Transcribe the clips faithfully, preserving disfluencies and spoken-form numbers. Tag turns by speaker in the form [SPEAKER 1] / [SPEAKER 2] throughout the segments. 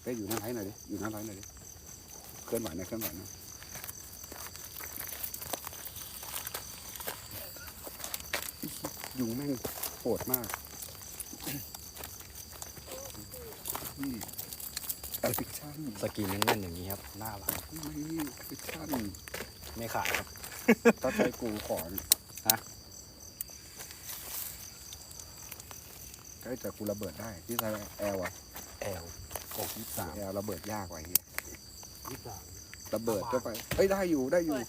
[SPEAKER 1] ป้อยู่หน้าไลน์หน่อยดิอยู่หน้าไลน์หน่อยดิเคลื่อนไหวนะเคลื่อนไหวนะยุงแม่งโหดมากนี่แอปพลิเคชัน
[SPEAKER 2] สกินแน่นๆอย่างนี้ครับหน้ารัก
[SPEAKER 1] นี่แอปพลิเคชัน
[SPEAKER 2] ไม่ขายครับ
[SPEAKER 1] ถ้าใช้กูขอนะใช้จากกูระเบิดได้ที่ใช้แอลอะ
[SPEAKER 2] แอลหกยี่สาม
[SPEAKER 1] แอลระเบิดยากกว่าเฮีย
[SPEAKER 2] ยี่สาม
[SPEAKER 1] ระเบิดก็ไปเอ้ยได้อยู่ได้อยู่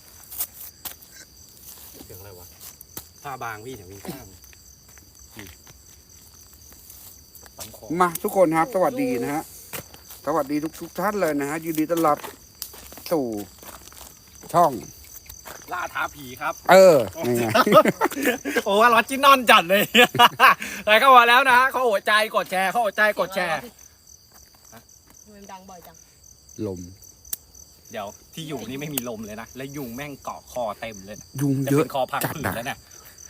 [SPEAKER 2] เสียงอะไรวะผ้าบางพี่เดี๋ยววิ่งข้าม
[SPEAKER 1] มาทุกคนครับสวัสดีนะฮะสวัสดีทุกทุกท่านเลยนะฮะยินดีต้อนรับสู่ช่อง
[SPEAKER 2] ล่าท้าผีครับ
[SPEAKER 1] เออนี่ไง
[SPEAKER 2] โอ้ว่าร้อนจิ้นนอนจัดเลยใครเข้ามาแล้วนะฮะเขาหัวใจกดแชร์เขาหัวใจกดแชร์
[SPEAKER 3] มันดังบ่อยจัง
[SPEAKER 1] ลม
[SPEAKER 2] เดี๋ยวที่อยู่นี่ไม่มีลมเลยนะและยุงแม่งเกาะคอเต็มเลย
[SPEAKER 1] ยุงเยอะ
[SPEAKER 2] คอพังผืดแล้วเนี่ย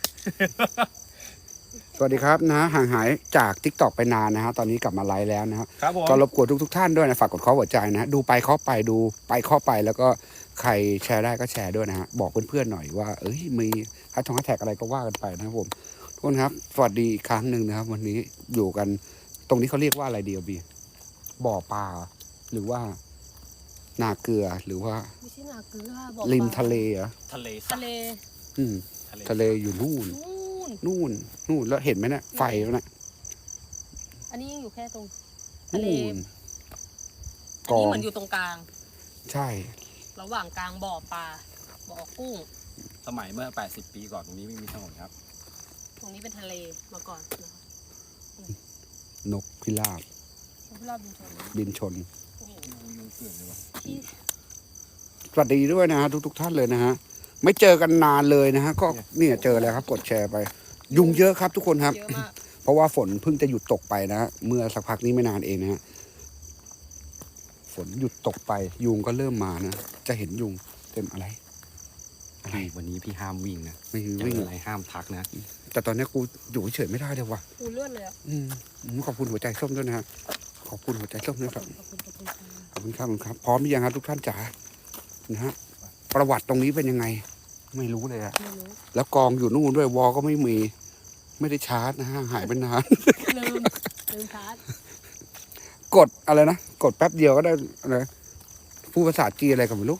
[SPEAKER 1] สวัสดีครับนะห่างหายจากทิกตอกไปนานนะฮะตอนนี้กลับมาไลฟ์แล้วนะครับก็รบกวนทุกทุกท่านด้วยนะฝากกดข้อหัวใจนะดูไปข้อไปดูไปข้อไปแล้วก็ใครแชร์ได้ก็แชร์ด้วยนะฮะบอกเพื่อนๆหน่อยว่าเอ้ยมีแฮชแท็กอะไรก็ว่ากันไปนะครับผมทุกคนครับสวัสดีอีกครั้งหนึ่งนะครับวันนี้อยู่กันตรงนี้เขาเรียกว่าอะไรเดียวบีบ่อปลาหรือว่านาเกลือหรือว่า
[SPEAKER 3] ไม่ใช่นาเกลือบ่อ
[SPEAKER 1] ริมทะเลอะ
[SPEAKER 2] ทะเล
[SPEAKER 3] ทะเล
[SPEAKER 1] อืมทะเลอยู่นู่นนู่นนู่นแล้วเห็นไหมเนี่ยไฟแล้วนะ
[SPEAKER 3] อันนี้ยังอยู่แค่ตรงทะเลอันนี้เหมือนอยู่ตรงกลาง
[SPEAKER 1] ใช่
[SPEAKER 3] ระหว่างกลางบ่อปลาบ่อกุ้ง
[SPEAKER 2] สมัยเมื่อแปดสิบปีก่อนตรงนี้ไม่มีถนนครับ
[SPEAKER 3] ตรงนี้เป็นทะเลมาก่อน
[SPEAKER 1] นกพิราบ
[SPEAKER 3] นกพิราบบินชน
[SPEAKER 1] บินชน
[SPEAKER 2] ยุงเกลื่อนเลยวะ
[SPEAKER 1] สวัสดีด้วยนะฮะทุกทุกท่านเลยนะฮะไม่เจอกันนานเลยนะฮะก็เนี่ยเจอแล้วครับกดแชร์ไปยุงเยอะครับทุกคนครับเพราะว่าฝนเพิ่งจะหยุดตกไปนะเมื่อสักพักนี้ไม่นานเองนะฮะฝนหยุดตกไปยุงก็เริ่มมานะจะเห็นยุงเต็มอะไร
[SPEAKER 2] อะไรวันนี้พี่ห้ามวิ่งนะ
[SPEAKER 1] ไม่วิ่ง
[SPEAKER 2] อะไรห้ามทักนะ
[SPEAKER 1] แต่ตอนนี้กูอยู่เฉยไม่ได้เลยว่ะ
[SPEAKER 3] กูเลื่อนเลยอ่ะ
[SPEAKER 1] อืมขอบคุณหัวใจส้มด้วยนะฮะขอบคุณหัวใจส้มด้วยครับขอบคุณครับครับพร้อมหรือยังครับทุกท่านจ๋านะฮะประวัติตรงนี้เป็นยังไงไม่รู้เลยอะแล้วกองอยู่นู่นด้วยวอก็ไม่มีไม่ได้ชาร์จนะฮะหายไปนาน
[SPEAKER 3] ลืมลืมชาร์จ
[SPEAKER 1] กดอะไรนะกดแป๊บเดียวก็ได้อะไรพูดภาษาจีนอะไรกันไม่รู้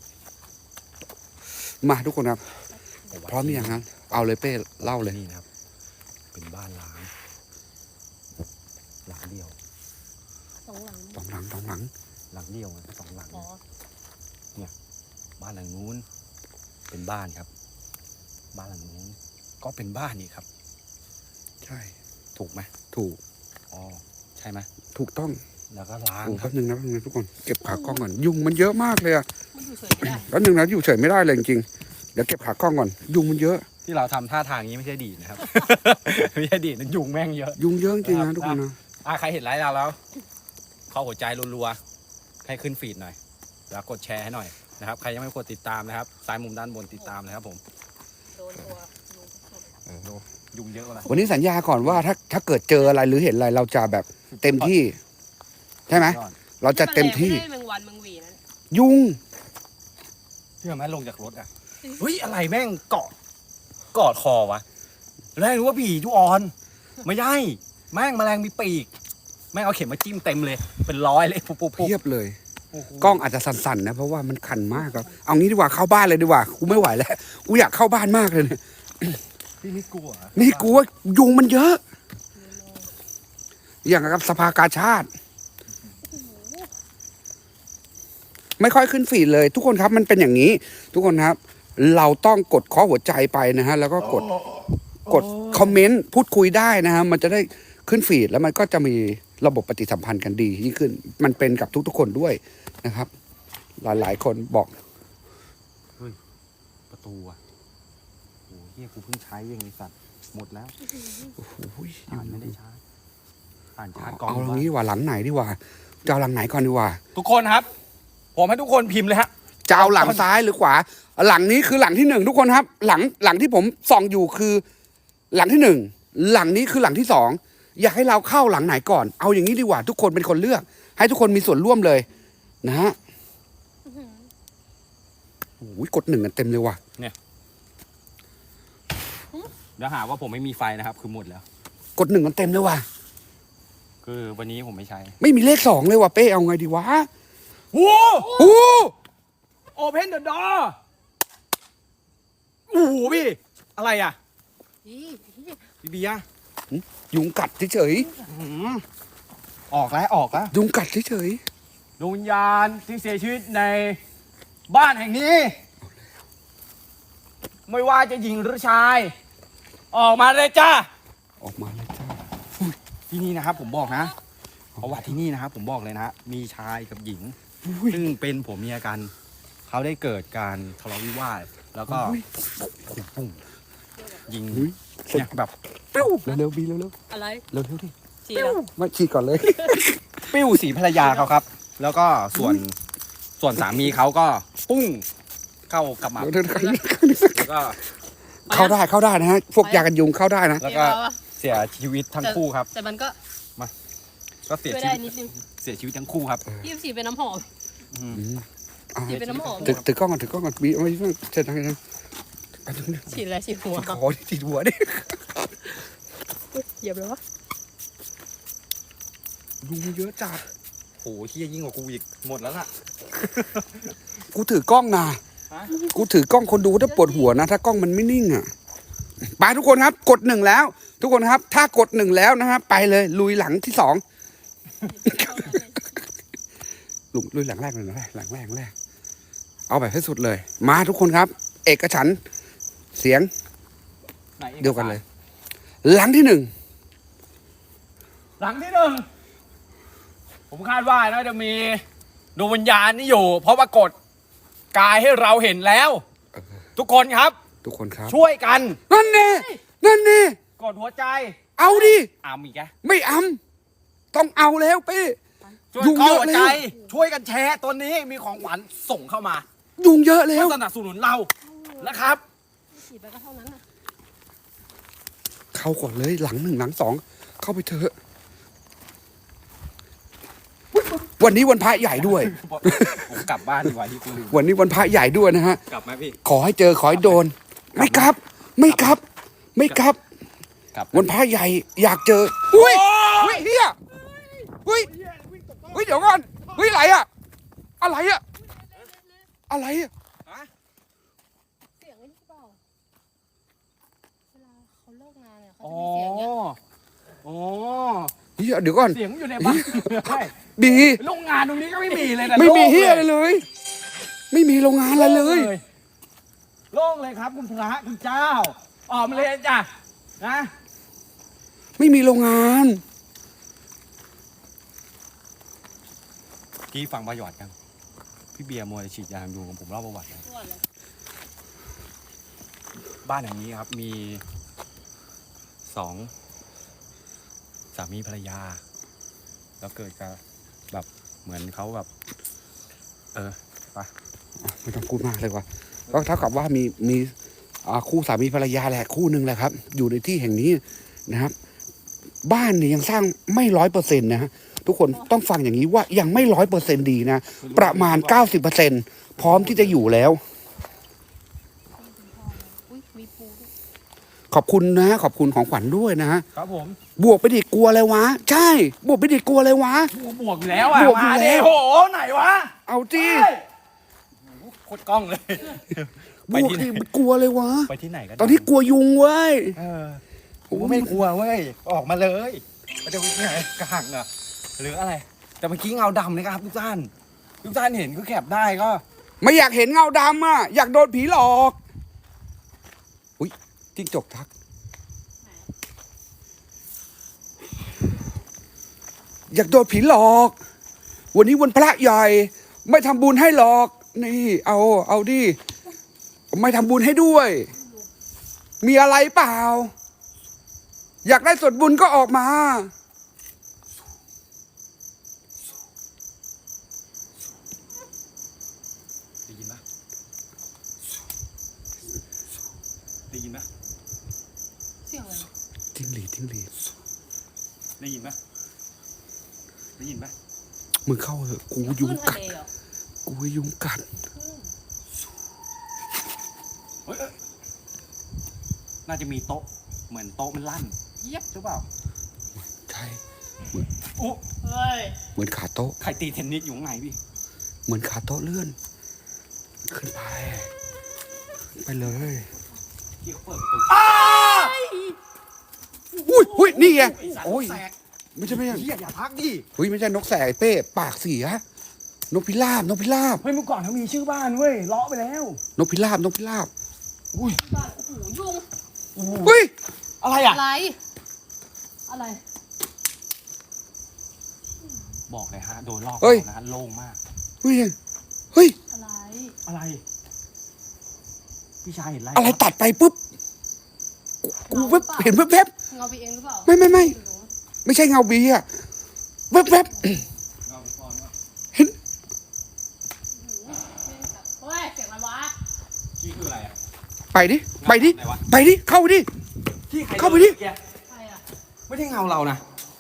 [SPEAKER 1] มาทุกคนครับพร้อมหรือยังครับเอาเลยเป้เล่าเลย
[SPEAKER 2] นี่นะครับเป็นบ้านล้างหลังเดียว
[SPEAKER 3] สองหลัง
[SPEAKER 1] สองหลังสองหลัง
[SPEAKER 2] หลังเดียวสองหลังเนี่ยบ้านหลังนู้นเป็นบ้านครับบ้านหลังนู้นก็เป็นบ้านนี่ครับ
[SPEAKER 1] ใช่
[SPEAKER 2] ถูกไหม
[SPEAKER 1] ถูก
[SPEAKER 2] อ๋อใช่ไหม
[SPEAKER 1] ถูกต้อง
[SPEAKER 2] แล้วก็ล้าง
[SPEAKER 1] แป๊บนึงนะแป๊บนึงทุกคนเก็บขากล้องก่อนยุงมันเยอะมากเลยอะ
[SPEAKER 3] มันอยู่เฉยไม่ได้
[SPEAKER 1] แป๊บนึงนะอยู่เฉยไม่ได้เลยจริงๆเดี๋ยวเก็บขากล้องก่อนยุงมันเยอะ
[SPEAKER 2] ที่เราทำท่าทางนี้ไม่ใช่ดีนะครับไม่ใช่ดีนะยุงแม่งเยอะ
[SPEAKER 1] ยุงเยอะจริงนะทุกคนนะ
[SPEAKER 2] อ่ะใครเห็นไลฟ์เราแล้วเข้าหัวใจรัวๆให้ขึ้นฟีดหน่อยแล้วกดแชร์ให้หน่อยนะครับใครยังไม่กดติดตามนะครับซ้ายมุมด้านบนติดตามนะครับผม
[SPEAKER 3] โดนตัว
[SPEAKER 2] ยุงเยอะเลย
[SPEAKER 1] วันนี้สัญญาก่อนว่าถ้าถ้าเกิดเจออะไรหรือเห็นอะไรเราจะแบบเต็มที่ใช่ไหมเราจะเต็มที่ยุง
[SPEAKER 2] เชื่อไหมลงจากรถอ่ะเฮ้ยอะไรแม่งเกาะกอดคอวะแรกรู้ว่าผีจุออนไม่ใช่แม่งแมลงมีปีกแม่งเอาเข็มมาจิ้มเต็มเลยเป็นร้อยเลยปุ๊บปุ๊บ
[SPEAKER 1] เพียบเลยกล้องอาจจะสั่นๆนะเพราะว่ามันคันมากครับเอางี้ดีกว่าเข้าบ้านเลยดีกว่ากูไม่ไหวแล้วกูอยากเข้าบ้านมากเลยเนี่ย
[SPEAKER 2] พี่นี่กลัว
[SPEAKER 1] นี่กลัวยุงมันเยอะอย่างกับสภากาชาติไม่ค่อยขึ้นฟีดเลยทุกคนครับมันเป็นอย่างนี้ทุกคนครับเราต้องกดข้อหัวใจไปนะฮะแล้วก็กดกดคอมเมนต์พูดคุยได้นะฮะมันจะได้ขึ้นฟีดแล้วมันก็จะมีระบบปฏิสัมพันธ์กันดียิ่งขึ้นมันเป็นกับทุกๆคนด้วยนะครับหลายๆคนบอก
[SPEAKER 2] เฮ้ยประตูอ่ะโอ้เฮียกูเพิ่งใช้ยังไงสัตว์หมดแล้ว
[SPEAKER 1] โอ้โห
[SPEAKER 2] อ่านไม่ได้ชาร์จอ่านชาร์จกอง
[SPEAKER 1] เอาหลังนี้ดีกว่าหลังไหนดีกว่าจะเอาหลังไหนก่อนดีกว่า
[SPEAKER 2] ทุกคนครับผมให้ทุกคนพิมพ์เลยฮะ
[SPEAKER 1] จะเอาหลังซ้ายหรือขวาหลังนี้คือหลังที่หนึ่งทุกคนครับหลังหลังที่ผมส่องอยู่คือหลังที่หนึ่งหลังนี้คือหลังที่สองอยากให้เราเข้าหลังไหนก่อน เอาอย่างนี้ดีกว่า ทุกคนเป็นคนเลือก ให้ทุกคนมีส่วนร่วมเลยนะฮะโอ้ยกดหนึ่งกันเต็มเลยว่ะ
[SPEAKER 2] เดี๋ยวหาว่าผมไม่มีไฟนะครับ คือหมดแล้ว
[SPEAKER 1] กดหนึ่งกันเต็มเลยว่ะ
[SPEAKER 2] คือวันนี้ผมไม่ใช้
[SPEAKER 1] ไม่มีเลขสองเลยว่ะเป้เอาไงดีวะ
[SPEAKER 2] โอ้
[SPEAKER 1] โอ้
[SPEAKER 2] โอเพนเดอะดอร์โอ้โหพี่ อะไรอ่ะ
[SPEAKER 3] อีอี
[SPEAKER 2] พี่เบียร์
[SPEAKER 1] ยุงกัดเฉย
[SPEAKER 2] หืมออกแล้วออกแล้ว
[SPEAKER 1] ๆยุงกัดเฉย
[SPEAKER 2] ดวงวิญญาณที่เสียชีวิตในบ้านแห่งนี้ ไม่ว่าจะหญิงหรือชาย ออกมาเลยจ้า
[SPEAKER 1] ๆออกมาเลยจ้า
[SPEAKER 2] ที่นี่นะครับ ผมบอกนะประวัติที่นี่นะครับ ผมบอกเลยนะ มีชายกับหญิง ซึ่งเป็นผัวเมียกัน เขาได้เกิดการทะเลาะวิวาทแล้วก็ปุ้งยิง
[SPEAKER 1] อุ๊ย
[SPEAKER 2] เนี่ยแบบ
[SPEAKER 1] ปิ้วเร็วๆบีเร็ว
[SPEAKER 3] อะไร
[SPEAKER 1] ๆเร็วๆดิ
[SPEAKER 3] ฉีดแล้ว
[SPEAKER 1] มาฉีดก่อนเลย
[SPEAKER 2] ปิ้วสีภรรยาเขาครับ แล้วก็ส่วนส่วนสามีเขาก็ปุ้งเข้ากับหมับ
[SPEAKER 1] เร็วๆ
[SPEAKER 2] แล้วก็
[SPEAKER 1] เข้าได้เข้าได้นะฮะพวกยากันยุงเข้าได้นะ
[SPEAKER 2] แล้วก็เสียชีวิตทั้งคู่ครับ
[SPEAKER 3] แต่มันก็
[SPEAKER 2] ก็เสีย
[SPEAKER 3] ช่วย
[SPEAKER 2] ชี
[SPEAKER 3] ได้
[SPEAKER 2] วิต
[SPEAKER 3] นิดนึง
[SPEAKER 2] เสียชีวิตทั้งคู่ครับ
[SPEAKER 3] พี่ฉีดเป็นน้ำหอม
[SPEAKER 2] อืม
[SPEAKER 1] อ่ะ
[SPEAKER 3] ฉีดเป็นน้ำหอม
[SPEAKER 1] ถือถือกล้องก่อนถือกล้องก่อนบีเอาไว้เสร็จแล้วนะ
[SPEAKER 3] ฉีดอะไรฉีดหัว
[SPEAKER 1] ขอฉีดหัวดิ
[SPEAKER 3] อุ๊ยเหยียบเลยวะ
[SPEAKER 1] ยุงเยอะจัด
[SPEAKER 2] โหเฮียยิ่งกว่ากูอีกหมดแล้วล่ะ
[SPEAKER 1] กูถือกล้องนะ
[SPEAKER 2] ฮะ
[SPEAKER 1] กูถือกล้องคนดูถ้าปวดหัวนะ ถ้ากล้องมันไม่นิ่งอ่ะไปทุกคนครับ กดหนึ่งแล้ว ทุกคนครับ ถ้ากดหนึ่งแล้วนะฮะไปเลยลุยหลังที่สองลุลุยหลังแรกเลยนะหลังแรกหลังแรก เอาแบบให้สุดเลย มาทุกคนครับ เอกฉันท์เสียง
[SPEAKER 2] ไหนอกสาร
[SPEAKER 1] เดียวกันเลย หลังที่หนึ่ง
[SPEAKER 2] หลังที่หนึ่งผมคาดว่าน่าจะมีดวงวิญญาณนี่อยู่ เพราะปรากฏกายให้เราเห็นแล้ว ทุกคนครับ
[SPEAKER 1] ทุกคนครับ
[SPEAKER 2] ช่วยกัน
[SPEAKER 1] นั่นแน่นั่นแน่
[SPEAKER 2] กดหัวใจ
[SPEAKER 1] เอาดิ
[SPEAKER 2] อามอีกแก
[SPEAKER 1] ไม่อำต้องเอาแล้วเป้
[SPEAKER 2] ช่วย
[SPEAKER 1] ยุ่ง
[SPEAKER 2] เข้า
[SPEAKER 1] เยอะ
[SPEAKER 2] หัว
[SPEAKER 1] แล้ว
[SPEAKER 2] ใจ ช่วยกันแชร์ตัวนี้มีของขวัญส่งเข้ามา
[SPEAKER 1] ยุงเยอะแล้
[SPEAKER 2] เพื่
[SPEAKER 1] ว
[SPEAKER 2] อสนับสนุนเรานะครับ
[SPEAKER 3] ฉีดไปก็เท่านั้นน่ะ
[SPEAKER 1] เข้าก่อนเลยหลังหนึ่งหลังสองเข้าไปเถอะวันนี้วันพระใหญ่ด้วย
[SPEAKER 2] ผมกลับบ้านดีกว่าที่คุณลืม
[SPEAKER 1] วันนี้วันพระใหญ่ด้วยนะฮะ
[SPEAKER 2] กลับไหมพี่
[SPEAKER 1] ขอให้เจอขอให้โดน ไม่ครับ ไม่ครับ ไม่ครับ
[SPEAKER 2] กลับ
[SPEAKER 1] วันพระใหญ่อยากเจออุ้ยอุ้ยเฮียอุ้ยอุ้ยเดี๋ยวก่อนอุ้ยอะไรอะอะไรอะอะไรอะ
[SPEAKER 3] เสียงไอ้นี่เปล่าเวลาเขาเลิกงานเนี่ยเขา
[SPEAKER 2] อ๋
[SPEAKER 3] จะ
[SPEAKER 2] อ
[SPEAKER 3] มีเสียงเนี้ย
[SPEAKER 2] อ๋อ
[SPEAKER 1] เฮียเดี๋ยวก่อน
[SPEAKER 2] เสียงอยู่ในบ้านใช่
[SPEAKER 1] บี
[SPEAKER 2] โรงงานตรงนี้ก็ไม่มีเลยนะ
[SPEAKER 1] ไม่มี
[SPEAKER 2] โล่ง
[SPEAKER 1] เฮียอะไรเลย ไม่มีโรงงานอะไรเลย
[SPEAKER 2] โล่งเลยครับคุณพระคุณเจ้า ออกมาเลยจ้ะนะ
[SPEAKER 1] ไม่มีโรงงาน
[SPEAKER 2] กี้ฟังประวัติกัน พี่เบียร์มวยฉีดยาดูของผมเล่าประวัตินะ
[SPEAKER 3] ทั่วเลย
[SPEAKER 2] บ้านอย่างนี้ครับมีสองสามีภรรยา แล้วเกิดกับแบบเหมือนเขาแบบ เออไป
[SPEAKER 1] ไม่ต้องพูดมากเลยว่ะก็เท่ากับว่ามีมีอ่าคู่สามีภรรยาแหละคู่หนึ่งแหละครับ อยู่ในที่แห่งนี้นะครับ บ้านเนี่ยยังสร้างไม่ร้อยเปอร์เซ็นต์นะฮะทุกคนต้องฟังอย่างนี้ว่ายังไม่ร้อยเปอร์เซ็นต์ดีนะ ประมาณเก้าสิบเปอร์เซ็นต์พร้อมที่จะอยู่แล้ว
[SPEAKER 3] อุ้ยมีปูด้วย
[SPEAKER 1] ขอบคุณนะขอบคุณของขวัญด้วยนะฮะ
[SPEAKER 2] ครับผม
[SPEAKER 1] บวกไปดิกลัวอะไรวะ ใช่ บวกไปดิกลัวอะไรวะ
[SPEAKER 2] บวกอยู่แล้วอ่ะ
[SPEAKER 1] บวกอยู่
[SPEAKER 2] มา
[SPEAKER 1] แล้
[SPEAKER 2] ดิ
[SPEAKER 1] ว
[SPEAKER 2] โอ้โหไหนวะ
[SPEAKER 1] เอาจี
[SPEAKER 2] เฮ้ยโอ้โหโคตรกล้องเลย
[SPEAKER 1] บวกดิกลัวเลยวะ
[SPEAKER 2] ไปที่ไหนกัน
[SPEAKER 1] ตอนนี้กลัวยุงเว้ย
[SPEAKER 2] เออผมก็ไม่กลัวเว้ย ออกมาเลยมันจะไปที่ไหนกระหังเหรอหรืออะไร แต่เมื่อกี้เงาดำนะครับทุกท่าน ทุกท่านเห็นก็แคปได้ก็
[SPEAKER 1] ไม่อยากเห็นเงาดำอ่ะ อยากโดนผีหลอก อุ้ยจิ้งจกทัก อยากโดนผีหลอก วันนี้วันพระใหญ่ ไม่ทำบุญให้หรอก นี่ เอา เอาดิ ไม่ทำบุญให้ด้วย มีอะไรเปล่า อยากได้ส่วนบุญก็ออกมา
[SPEAKER 2] ได้ยินปะได้ยินปะ
[SPEAKER 3] เสียงอะไร
[SPEAKER 1] จิ้งหรีดจิ้งหรีด
[SPEAKER 2] ได้ยินไหมได้ยินไหม
[SPEAKER 1] มึงเข้าเถอะกูยุง
[SPEAKER 3] ขึ้นทะ
[SPEAKER 1] กัด
[SPEAKER 3] เลเหรอ
[SPEAKER 1] กูยุงกัด
[SPEAKER 2] เฮ้ยเอ้ยน่าจะมีโต๊ะเหมือนโต๊ะมันลั่นเยียบหรือเปล่า
[SPEAKER 1] ใช่
[SPEAKER 2] อุ๊
[SPEAKER 3] เฮ้ย
[SPEAKER 1] เหมือนขาโต๊ะ
[SPEAKER 2] ใครตีเทนนิสอยู่ข้างในพี่
[SPEAKER 1] เหมือนขาโต๊ะเลื่อน ขึ้นไป ไปเลย
[SPEAKER 2] ที่เขาเปิดประตู
[SPEAKER 1] อุ้ยอุ้ยนี่ไง
[SPEAKER 2] ไอ้สัตว์
[SPEAKER 1] โอ้ย
[SPEAKER 2] แสก
[SPEAKER 1] ไม่ใช่ไม่ใช่
[SPEAKER 2] เฮียอย่าพักดิ
[SPEAKER 1] เฮ้ยไม่ใช่นกแสกไอ้เป้ปากเสียนกพิราบนกพิราบ
[SPEAKER 2] เฮ้ยเมื่อก่อนเขามีชื่อบ้านเว้ยเลาะไปแล้ว
[SPEAKER 1] นกพิราบนกพิราบ
[SPEAKER 2] อุ้ย
[SPEAKER 3] บ้านโอ้โหยุง
[SPEAKER 1] เฮ้ย
[SPEAKER 2] อะไรอ่ะ
[SPEAKER 3] อะไร อะไร
[SPEAKER 2] บอกเลยฮะโดนลอก
[SPEAKER 1] เฮ้ย
[SPEAKER 2] นะโล่งมาก
[SPEAKER 1] เฮ้ยเฮ้ย
[SPEAKER 3] อะไร
[SPEAKER 2] อะไร พี่ชายเห็นอะไร
[SPEAKER 1] อะไรตัดไปปุ๊บกูแวบเห็นแวบแวบ
[SPEAKER 3] เงาไปเองหรือเปล่า
[SPEAKER 1] ไม่ไม่ไม่ไม่ใช่เงาบีอะแวบแวบเห็น
[SPEAKER 3] เฮ้ยเสียงอะไรวะ
[SPEAKER 2] ที่คืออะไรอ่ะ
[SPEAKER 1] ไปดิไปดิ
[SPEAKER 2] ไหนวะ
[SPEAKER 1] ไปดิเข้าไปดิ
[SPEAKER 2] ที่ใคร
[SPEAKER 1] เข้าไปดิ
[SPEAKER 2] ดิ
[SPEAKER 3] ใครอ่ะ
[SPEAKER 2] ไม่ใช่เงาเรานะ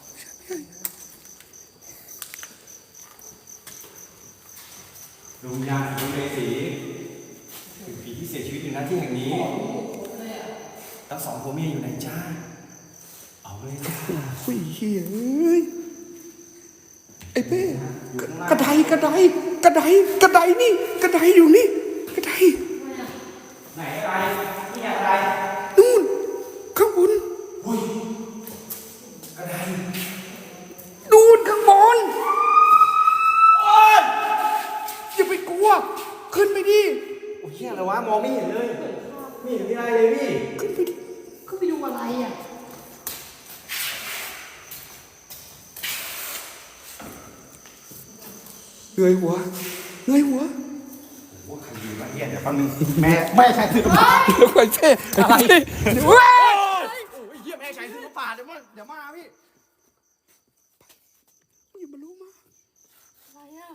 [SPEAKER 2] ดวงวิญญาณดวงเมสีคือผีที่เสียชีวิตอยู่ณที่แห่งนี้ทั้งสองผัวเมียอยู่ไหนจ้าเอาเลยจ้า
[SPEAKER 1] อุ้ยเฮ้ยเอ้ยไอ้เป้กระไดกระไดกระไดกระไดนี่กระไดอยู่นี่กระได
[SPEAKER 2] ไหนอะไรนี่อะไร
[SPEAKER 1] นู่นข้างบน
[SPEAKER 2] อะไร
[SPEAKER 1] นู่นข้างบนอย่าไปกลัว ขึ้นไปดิ
[SPEAKER 2] โอ้ยเหี้ยอะไรวะมองไม่เห็นเลยไม่เห็นมีอะไรเลยพี่
[SPEAKER 1] ขึ้นไปดิ
[SPEAKER 3] ก็ไปดูอะไรอ่ะ
[SPEAKER 1] เงยหัวเงยหัว
[SPEAKER 2] โอ้ใครอยู่วะเหี้ยเดี๋ยวแป๊บนึงแม่แม่ชายถือมา
[SPEAKER 1] เดี๋ยวก่อนเป้อะไรเว้ย
[SPEAKER 2] โอ้ยเหี้ยแม่ชายถือมาป่าเดี๋ยวมาเดี๋ยวมาพี่
[SPEAKER 1] อย่ามารู้มา
[SPEAKER 3] อะไรอ่ะ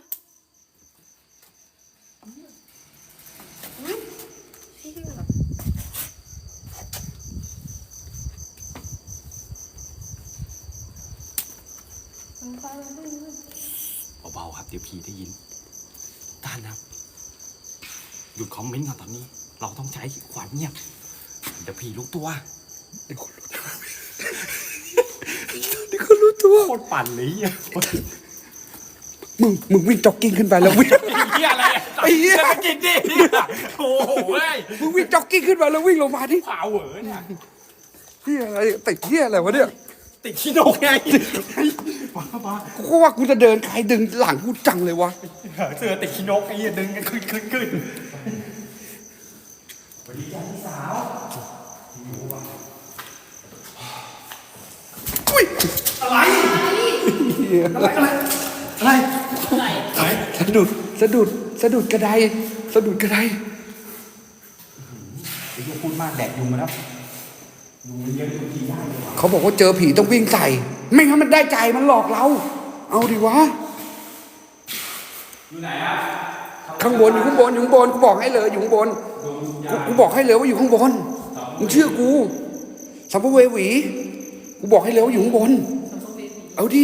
[SPEAKER 3] มันไปมันไปมันไป
[SPEAKER 2] เบาๆครับเดี๋ยวผีได้ยินท่านครับหยุดคอมเมนต์ก่อนตอนนี้ เราต้องใช้ความเงียบเดี๋ยวผีลุกตัว
[SPEAKER 1] เดี๋ยวคนรู้ตัวเดี๋ยวคนรู้ตัว
[SPEAKER 2] โคตรปั่นเลยเหี้ย
[SPEAKER 1] มึงมึงวิ่งจ็อกกิ้งขึ้นไปแล้ววิ่ง
[SPEAKER 2] เหี้ยอะไรอะ
[SPEAKER 1] ไอ้เหี้ย
[SPEAKER 2] จะไปกินดิเหี้ยโอ้โหเว้ย
[SPEAKER 1] มึงวิ่งจ็อกกิ้งขึ้นมาแล้ววิ่งลงมาดิ
[SPEAKER 2] เผาเหวอเนี่ย
[SPEAKER 1] เฮียอะไรติดเฮียอะไรวะเนี่ย
[SPEAKER 2] ติดขี้นกไงบ้าบ้า
[SPEAKER 1] กูก็ว่ากูจะเดินใครดึงหลังกูจังเลยวะ
[SPEAKER 2] เสือติดขี้นกไอ้เหี้ยดึงกันขึ้นขึ้นขึ้นสวัสดีจ้าพี่สาว
[SPEAKER 1] อุ้ย
[SPEAKER 2] อะไร
[SPEAKER 1] เหี้ย
[SPEAKER 2] อะไรอะไรอะไร
[SPEAKER 3] อะไร
[SPEAKER 2] ไหน
[SPEAKER 1] สะดุดสะดุดสะดุดกระไดสะดุดกระได
[SPEAKER 2] ไอ้เหี้ยพูดมากแดกยุงมาแล้วยุงมันเยอะทุกทีได้เลยว่ะ
[SPEAKER 1] เขาบอกว่าเจอผีต้องวิ่งใส่ ไม่งั้นมันได้ใจมันหลอกเรา เอาดิวะ
[SPEAKER 2] อยู่ไหนอ่ะ
[SPEAKER 1] ข้างบนอยู่ข้างบนอยู่ข้างบนกูบอกให้เลยอยู่ข้างบนกูกูบอกให้เลยว่าอยู่ข้างบนมึงเชื่อกูสัมภเวสีกูบอกให้เลยว่าอยู่ข้างบน เอาดิ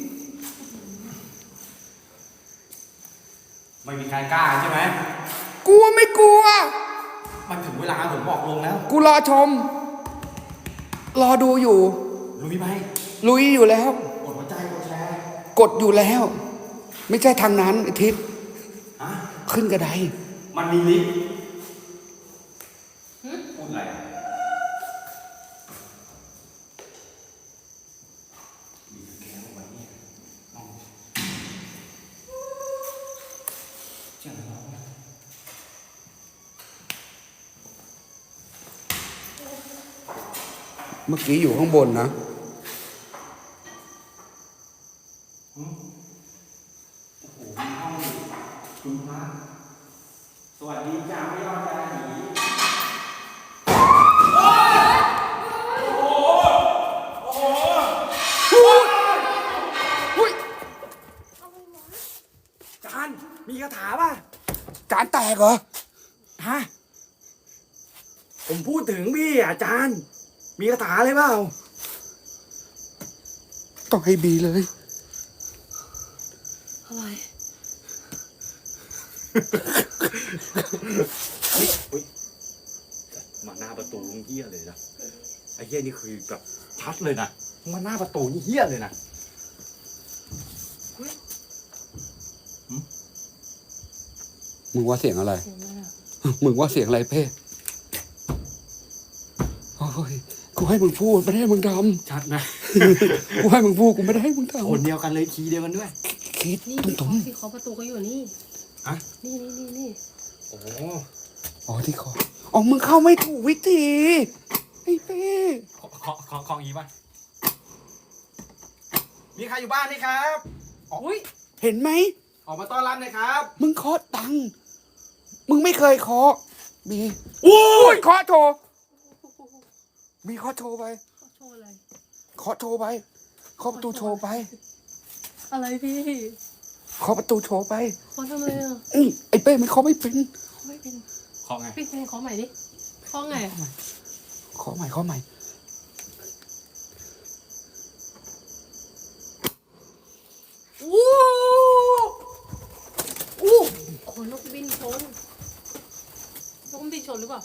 [SPEAKER 2] ไม่มีใครกล้าใช่ไหม
[SPEAKER 1] กลัวไม่กลัว
[SPEAKER 2] มันถึงเวลาผมบอกลงแล้ว
[SPEAKER 1] กูรอชม รอดูอยู่
[SPEAKER 2] ลุยไหม
[SPEAKER 1] ลุยอยู่แล้ว
[SPEAKER 2] กดหัวใจกดแชร์
[SPEAKER 1] กดอยู่แล้ว ไม่ใช่ทางนั้นไอ้ทิศ
[SPEAKER 2] ฮะ
[SPEAKER 1] ขึ้นกระได
[SPEAKER 2] มันมีลิฟต์พูดอะไรอ่ะมีสแกนลงมาเนี่ยเอาเจ้าหน้าที่
[SPEAKER 1] เมื่อกี้อยู่ข้างบนนะ
[SPEAKER 2] คุณพระสวัสดีจ้าไม่ยอดจ้าหนี
[SPEAKER 1] อุ้ย
[SPEAKER 2] จานมีคาถาป่ะ
[SPEAKER 1] จานแตกเหรอ
[SPEAKER 2] ฮะผมพูดถึงพี่อาจารย์ มีคาถาอะไรเปล่า
[SPEAKER 1] ต้องให้บีเลย
[SPEAKER 3] อะไร
[SPEAKER 2] มาหน้าประตูเฮี้ยเลยนะไอ้เฮี้ยนี่คือแบบชัดเลยนะมาหน้าประตูนี่เฮี้ยเลยนะ
[SPEAKER 1] มึงว่าเสียงอะไร
[SPEAKER 3] เสียงอะไรอะ
[SPEAKER 1] มึงว่าเสียงอะไรเพ่โอ้ยกูให้มึงพูดไม่ได้ให้มึงท
[SPEAKER 2] ชัดนะ
[SPEAKER 1] ำกูให้มึงพูดกูไม่ได้ให้มึงท
[SPEAKER 2] คนเดียวกันเลยคีย์เดียวกันด้วย
[SPEAKER 1] ำคิด
[SPEAKER 3] นี่
[SPEAKER 1] ตุ้ม
[SPEAKER 3] ที่
[SPEAKER 1] ตุ้
[SPEAKER 3] เคาะ
[SPEAKER 1] ม
[SPEAKER 3] ที่เคาะประตูก็อยู่นี่
[SPEAKER 2] อะ
[SPEAKER 3] นี่นี่นี่นี่
[SPEAKER 2] โอ้
[SPEAKER 1] อ๋อที่คออ๋อมึงเข้าไม่ถูกวิธีไอ้เป้
[SPEAKER 2] ขอขอขอขออีกป่ะมีใครอยู่บ้านไหมครับ
[SPEAKER 3] อุ้ย
[SPEAKER 1] เห็นไหม
[SPEAKER 2] ออกมาต้อนรับหน่อยครับ
[SPEAKER 1] มึงเคาะตังค์มึงไม่เคยเคาะบี
[SPEAKER 2] โอ้
[SPEAKER 1] โอ้
[SPEAKER 2] ย
[SPEAKER 1] ยเคาะโทรบีเคาะโทรไป
[SPEAKER 3] เขาโชว์อะไร
[SPEAKER 1] เคาะโทรไปเคาะประตูโชว์ไป
[SPEAKER 3] อะไรพี่
[SPEAKER 1] เคาะประตูโชว์ไป
[SPEAKER 3] เขาทำอะไรอ่ะ
[SPEAKER 1] อืมไอ้เป้มันเคาะไม่เป็น
[SPEAKER 3] เขาไม่เป็น
[SPEAKER 2] ขอไง
[SPEAKER 3] พี่เพลงเขาใหม่ดิเขาไงอะ
[SPEAKER 1] เคาะใหม่เคาะใหม่
[SPEAKER 3] อู้อู้โอ้นกบินชนนกบินชนหรือเปล่า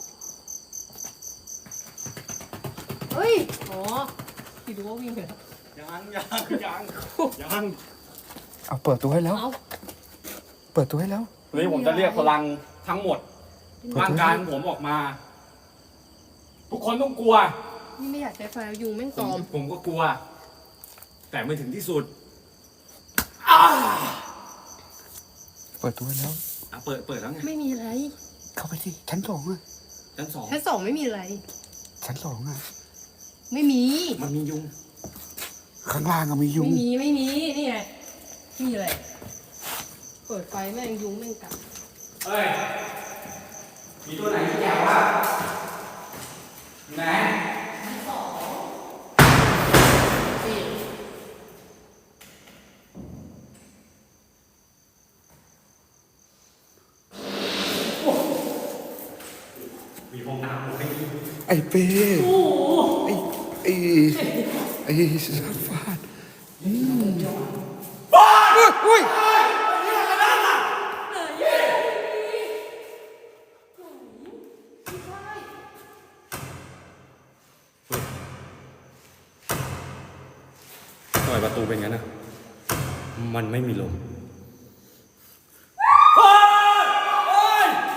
[SPEAKER 3] เฮ้ยอ๋อพี่ดูว่าวิ่งไปแล้ว
[SPEAKER 2] ยังยังยังยัง
[SPEAKER 1] เอาเปิดตัวให้แล้ว
[SPEAKER 3] เอา
[SPEAKER 1] เปิดตัวให้แล้ว
[SPEAKER 2] เฮ้ยผมจะเรียกพลังทั้งหมดร่างกายของผมออกมา ทุกคนต้องกลัว
[SPEAKER 3] นี่ไม่อยากใช้ไฟยุงแม่ง
[SPEAKER 2] ผ
[SPEAKER 3] ต
[SPEAKER 2] ม
[SPEAKER 3] อม
[SPEAKER 2] ผมก็กลัว แต่ไม่ถึงที่สุด
[SPEAKER 1] เปิดตัวให้แล้ว
[SPEAKER 2] อ่ะเปิดเปิดแล้วไง
[SPEAKER 3] ไม่มีอะไร
[SPEAKER 1] เข้าไปสิชั้นสองอ่ะ
[SPEAKER 2] ชั้นสอง
[SPEAKER 3] ชั้นสองไม่มีอะไร
[SPEAKER 1] ชั้นสองอ่ะ
[SPEAKER 3] ไม่มี
[SPEAKER 2] มันมียุง
[SPEAKER 1] ข้างล่างอะมียุง
[SPEAKER 3] ไม่มีไม่มีนี่ไงมีอะไรเปิดไฟแม่งยุงแม่งกัด
[SPEAKER 2] เอ้ยมีตัวไหนที่แย่วะไหน
[SPEAKER 3] นี่
[SPEAKER 2] มีห้องน้ำผมไม่มี
[SPEAKER 1] ไอ้เป้ไอ้ไอ้ไอ้สัตว์ฟาดอืมอุ้ย
[SPEAKER 2] ทำไมประตูเป็นงั้นนะมันไม่มีลม
[SPEAKER 1] ไป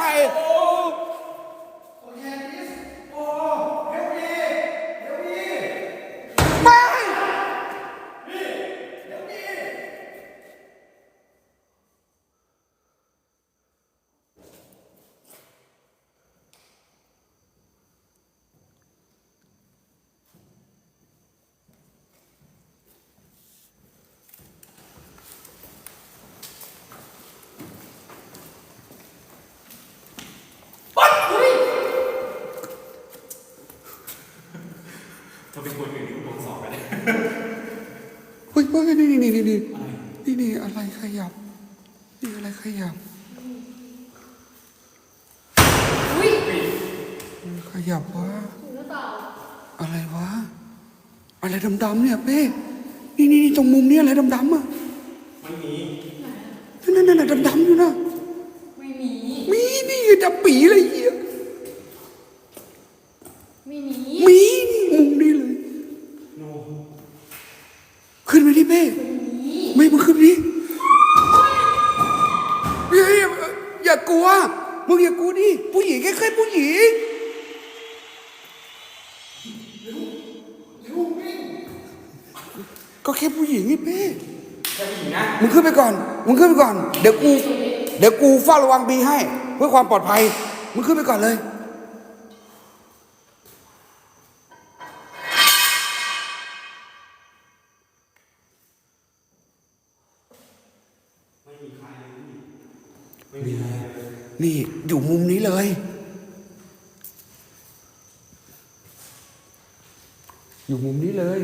[SPEAKER 2] ถ้าเป็นคนอื่นที่ผมสอบไปเลย
[SPEAKER 1] เฮ้ยเฮ้ยนี่นี่นี่นี่นี่นี่อะไรขยับนี่อะไรขยับ
[SPEAKER 3] อุ้ย
[SPEAKER 1] ขยับวะ
[SPEAKER 3] หรือเปล่า
[SPEAKER 1] อะไรวะอะไรดำๆเนี่ยเป้นี่นี่นี่ตรงมุมนี้อะไรดำๆอ่ะ
[SPEAKER 2] ไม่มี
[SPEAKER 1] นั่นนั่นนั่นดำๆอยู่นะ
[SPEAKER 3] ไม่มี
[SPEAKER 1] มีนี่ดำปีเลยเหี้ย
[SPEAKER 3] ไม่มี
[SPEAKER 1] มีนี่มุมนี้เลย
[SPEAKER 2] โน
[SPEAKER 1] ขึ้นไปดิเป้ไม่มึงขึ้นไปดิเฮ้ยอย่ากลัวมึงอย่ากลัวดิผู้หญิงแค่แค่ผู้หญิงก็แค่ผู้หญิงนี่เป้
[SPEAKER 2] แค่ผู้หญิงนะ
[SPEAKER 1] มึงขึ้นไปก่อนมึงขึ้นไปก่อนเดี๋ยวกูเดี๋ยวกูเฝ้าระวังบีให้ เพื่อความปลอดภัยมึงขึ้นไปก่อนเลยนี่อยู่มุมนี้เลย อยู่มุมนี้เลย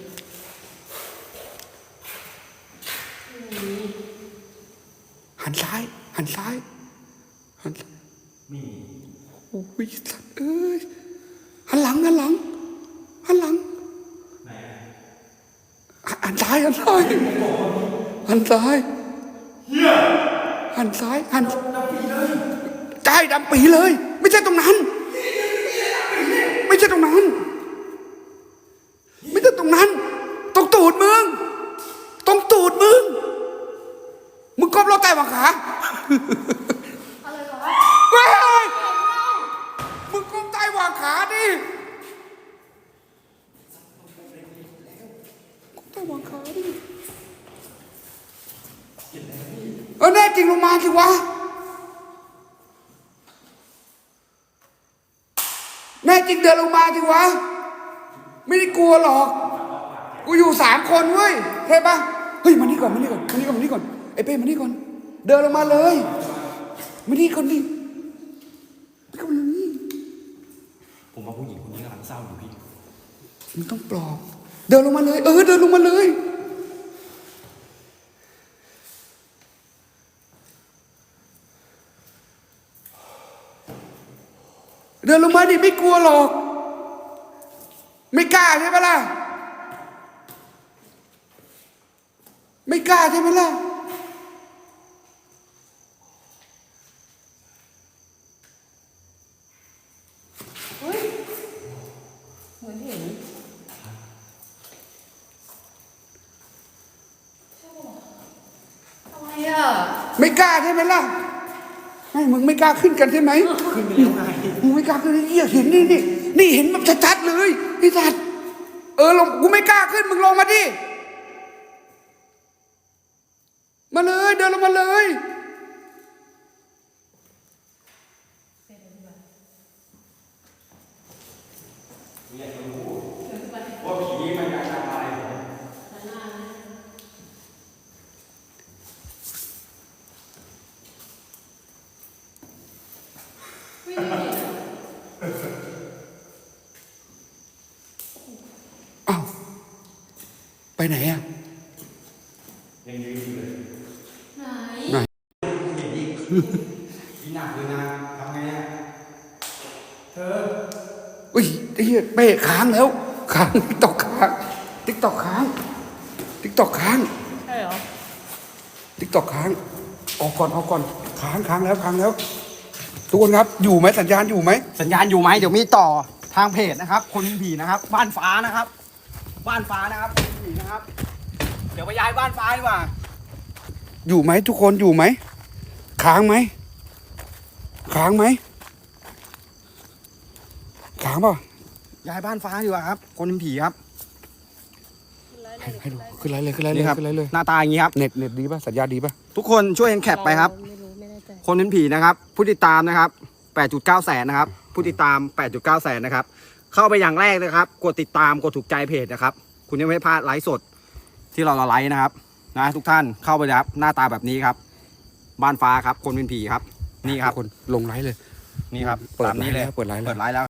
[SPEAKER 1] หันซ้าย หันซ้าย หันซ้าย
[SPEAKER 2] มี
[SPEAKER 1] โอ้ยสัตว์เอ้ย หันหลัง หันหลัง หันหลัง
[SPEAKER 2] ไหน
[SPEAKER 1] หันซ้ายหันซ้ายหันซ้ายหันซ้ายหันใช่ดำปีเลย ไม่ใช่ตรงนั้น ไม่ใช่ตรงนั้น ไม่ใช่ตรงนั้นตรงตูดมึงตรงตูดมึงมึงก้มรถใต้หวังขา
[SPEAKER 3] อะไรเหรอ
[SPEAKER 1] เฮ้ยมึงก้มใต้หวังขาดิก้มใต้หวังขาดิเออแน่จริงลงมาสิวะแน่จริงเดินลงมาสิวะไม่ได้กลัวหรอกกูอยู่สามคนเว้ยเห็นปะเฮ้ยมานี่ก่อนมานี่ก่อนมานี่ก่อนมานี่ก่อนไอ้เป้มานี่ก่อนเดินลงมาเลยมานี่ก่อนดิไม่ก่อนเลย
[SPEAKER 2] ผมว่าผู้หญิงคนนี้กำลังเศร้าอยู่พี่
[SPEAKER 1] มึงต้องปลอบเดินลงมาเลยเออเดินลงมาเลยเดินลงมาดิไม่กลัวหรอกไม่กล้าใช่ไหมล่ะไม่กล้าใช่ไหมล่ะ
[SPEAKER 3] เฮ้ยเหมือนเห็นอะไรอ่ะ
[SPEAKER 1] ไม่กล้าใช่ไหมล่ะไม่มึงไม่กล้าขึ้นกันใช่ไหมขึ้นไปแล้วไงมึงไม่กล้าขึ้นเลยเหี้ยเห็นนี่นี่นี่เห็นแบบชัดๆเลยพี่สัตว์เออลงกูไม่กล้าขึ้นมึงลงมาดิมาเลยเดินลงมาเลยอ้าวไปไหนอ่ะ
[SPEAKER 2] ยังยืนอยู่เลย
[SPEAKER 3] ไหน
[SPEAKER 1] ไหน
[SPEAKER 2] พี่หนักเลยนะทำไงอ่ะเธอ
[SPEAKER 1] อุ้ยไอ้เหี้ยเป้ค้างแล้วค้างติ๊กตอกค้างติ๊กตอกค้างติ๊กตอกค้าง
[SPEAKER 3] ใช่เหรอ
[SPEAKER 1] ติ๊กตอกค้างออกก่อนออกก่อนค้างค้างแล้วค้างแล้วทุกคนครับอยู่ไหมสัญญาณอยู่ไหม
[SPEAKER 2] สัญญาณอยู่ไหมเดี๋ยวมีต่อทางเพจนะครับ คนมีผีนะครับ บ้านฟ้านะครับ บ้านฟ้านะครับคนมีผีนะครับ เดี๋ยวไปย้ายบ้านฟ้าดีกว่า
[SPEAKER 1] อยู่ไหมทุกคนอยู่ไหมค้างไหมค้างไหมค้างเปล่ะ
[SPEAKER 2] ย้ายบ้านฟ้าดีกว่าครับ คนเป็นผีครับ
[SPEAKER 1] ให้ให้ดูขึ้นไรเลยขึ้นไรเลย
[SPEAKER 2] นี่ครับ
[SPEAKER 1] ขึ้นไรเลย
[SPEAKER 2] หน้าตาอย่างนี้ครับ
[SPEAKER 1] เน็ตเน็ตดีป่ะสัญญาณดีป่ะ
[SPEAKER 2] ทุกคนช่วยกันแคปไปครับ
[SPEAKER 3] ไม่รู้ไม่แน่ใจ
[SPEAKER 2] คนเป็นผีนะครับ ผู้ติดตามนะครับ แปดจุดเก้า แสนนะครับ ผู้ติดตาม แปดจุดเก้า แสนนะครับ เข้าไปอย่างแรกนะครับ กดติดตาม กดถูกใจเพจนะครับ คุณจะไม่พลาดไลฟ์สดที่เราไลฟ์นะครับ นะทุกท่านเข้าไปนะครับ หน้าตาแบบนี้ครับ บ้านฟ้าครับ คนเป็นผีครับ นี่ครับ
[SPEAKER 1] คนลงไลฟ์เลย
[SPEAKER 2] นี่ครับ
[SPEAKER 1] เปิด
[SPEAKER 2] ตามนี้เลย
[SPEAKER 1] ไลฟ์แล้วเปิดไลฟ์แล้ว
[SPEAKER 2] เปิดไลฟ์แล้ว